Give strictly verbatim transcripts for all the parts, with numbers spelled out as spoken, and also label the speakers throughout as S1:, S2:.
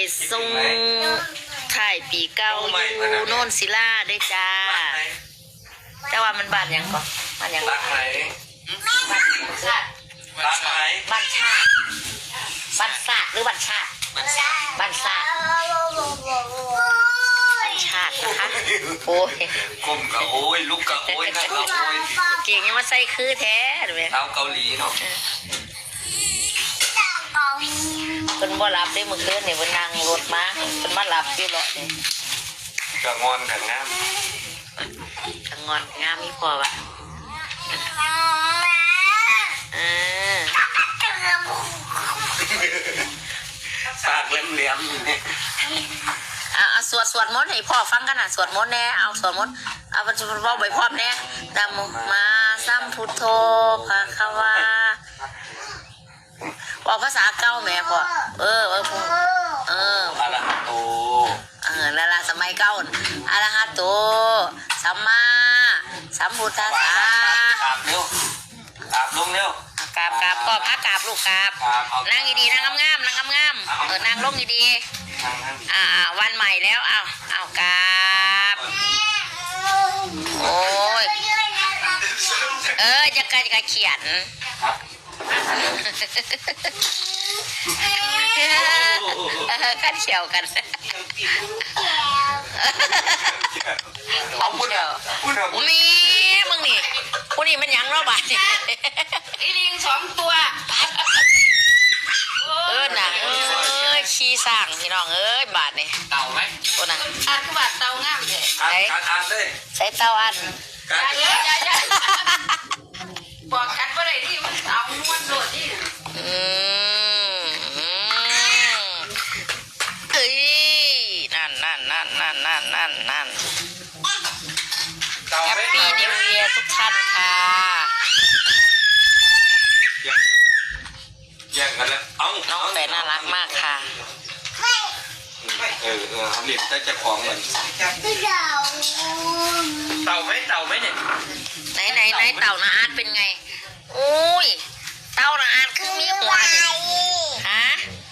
S1: ส่งถ่ายปีเก่าอยู่โน่นศิลาได้จ้าแต่ว่ามันบ้านยังก่อนบ้านยัง
S2: บ้านไหน
S1: บ้านชาติ
S2: บ้านไหน
S1: บ้านชาติบ้านชาติหรือบ้านชาติบ้านชาติบ้านชาตินะคะโอ้ย
S2: กลมกับโอ้ยลูกกับโอ้ยนั่งกับโอ้ย
S1: เก่งยังมาใส่คือแท้ดูไหม
S2: เท้าเกาหลีเนาะ
S1: เป็นบ่รับได้เมื่อคืนเนี่ยเป็นนั่งรถมาเป็นมารับอยู่หรอกเนี่ย
S2: กระงอนกับงาม
S1: ทั้งงอนงามมีพอวะเออ
S2: ปากแหลมๆอยู่เนี่ย
S1: เอาเอาสวดสวดมนต์ให้พ่อฟังกันนะสวดมนต์แน่เอาสวดมนต์เอาไปพ่อใบพร้อมแน่ดำมาสัมพุทโธภะคะวาบอกภาษาเก้าแม่พ่อเออเออพ่อเออ
S2: อะระหะโต
S1: เออนั่นละสมัยเก้าอะระหะโตสัมมาสัมพุทธัสสะ
S2: กราบเร็วกราบลงเร็ว
S1: กราบกราบก็พระกราบลูกกราบนั่งดีๆนั่งงามๆนั่งงามๆเออนั่งลงดีๆ
S2: ทางนั้น
S1: อ่าวันใหม่แล้วเอาเอากราบโอ้ยเออจะกันจะเขียน
S2: ครับ
S1: เออกันเฉียวกัน
S2: เอาพูดเอาพูดเอาพูด
S1: มีมึงนี่ผู้นี่มันยังรอบบาดนี่
S3: ไอ้ลิงสองตัว
S1: เออน่ะเอ้ยขี้สร้างพี่น้องเอ้ยบาดนี่
S2: เต่าไหม
S1: โอ้น่ะ
S3: อันก็บาดเตางามเลย
S2: อ่านอ่านอ่านเลย
S1: ใส่เต้าอัน
S2: การ
S3: อันเยอะใหญ่ใหญ่บอกกันว่าอะไรที่มันเอานวดโดดที่
S1: อืมอืมเอ้ยนั่นนั่นนั่นนั่นนั่นนั่นนั่น
S2: เต่า
S1: แฮป
S2: ไหม
S1: ปี้นิวเยียร์ทุกท่านค่ะ
S2: แย่งกันแล้วเอา
S1: น้องแฝดน่ารักมากค่ะ
S2: เออเออทำเหรียญได้จะของเหมือนเต่าไหมเต่าไหมเนี่ย
S1: ไหนไหนไหนเต่านาอาร์ตเป็นไงอุ้ยเต่านาอาร์ตคือมีหัวเนี่ยฮะ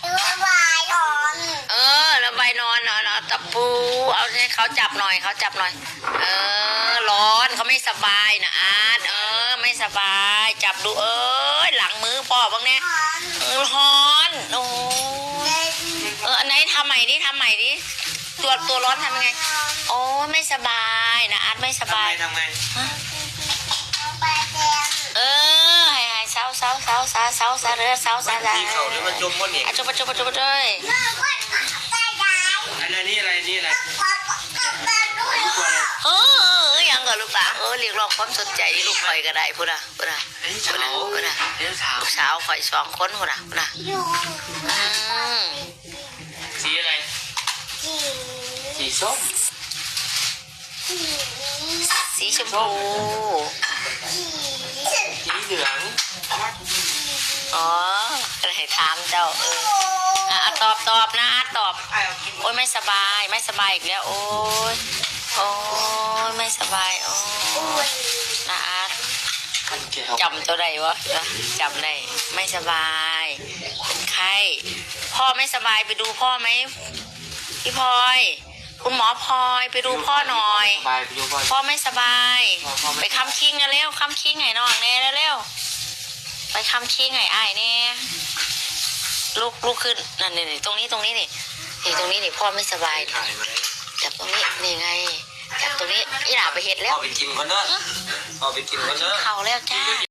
S1: เออแล้วใบนอนเนาะเอาตะปูเอาให้เขาจับหน่อยเขาจับหน่อย เออร้อนเขาไม่สบายนะอาร์ตเออไม่สบายจับดูเอ้ยหลังมือพ่อบ้างเนี่ยเออร้อนโอ้เอออันไหนทำใหม่ดิทำใหม่ดิตัวตัวร้อนทำยังไงโอ้ไม่สบายนะอาร์ตไม่ส
S2: ทำ
S1: บา
S2: ไง
S1: ย
S2: ทำไง
S1: เออให้ให้เศร้าเศร้าเศร้าเศร้าเศร้าเศร้าเรือเศร้าเศร้าเศร้า
S2: ที่เขาเนี่ยมันจมมันเนี่ย
S1: อ่ะจุบจุบจุบเลย
S2: อะไรนี่อะไรนี่อะไร
S1: เออยังกับลูกหลานเออเรียกร้องความสนใจลูกคอยก็ได้พูดนะพูดนะ
S2: ไอ้
S1: พู
S2: เฉา
S1: ดนะพูดนะ
S2: ไอ้เฉา
S1: ลูกสาวคอยสองคนพูดนะพูดนะอืม
S2: สีอะไรสีส้ม
S1: สีชมพู
S2: สีเหลือง
S1: อ๋อก็ให้ถามเจ้าเอออ่ะตอบตอบนะตอบโอ้ยไม่สบายไม่สบายอีกแล้วโอ้ยโอ้ยไม่สบายโอ้ยนะอาร์ต
S2: มันแก้ว
S1: จำตัวใดวะจำได้ไม่สบายเป็นไข้พ่อไม่สบายไปดูพ่อไหมพี่พลอยคุณหมอพลอยไปดูพ่อหน่อย
S2: สบายไปดูก่อน
S1: พ่อไม่สบายไปคำคิงกันเร็วคำคิงไงน้องแน่เร็วไปคำคิงไงไอ้ายแน่ลูกลูกขึ้นนั่นนี่ตรงนี้ตรงนี้นี่นี่ตรงนี้นี่พ่อไม่สบาย
S2: ถ่ายมา
S1: จับตรงนี้นี่ไงจับตรงนี้อีหล่าไปเห็ดแล้
S2: พ่
S1: ว
S2: อไปกินก่อนเนอะพ่อไปกินก่อนเนอะ
S1: เขาแล้วจ้า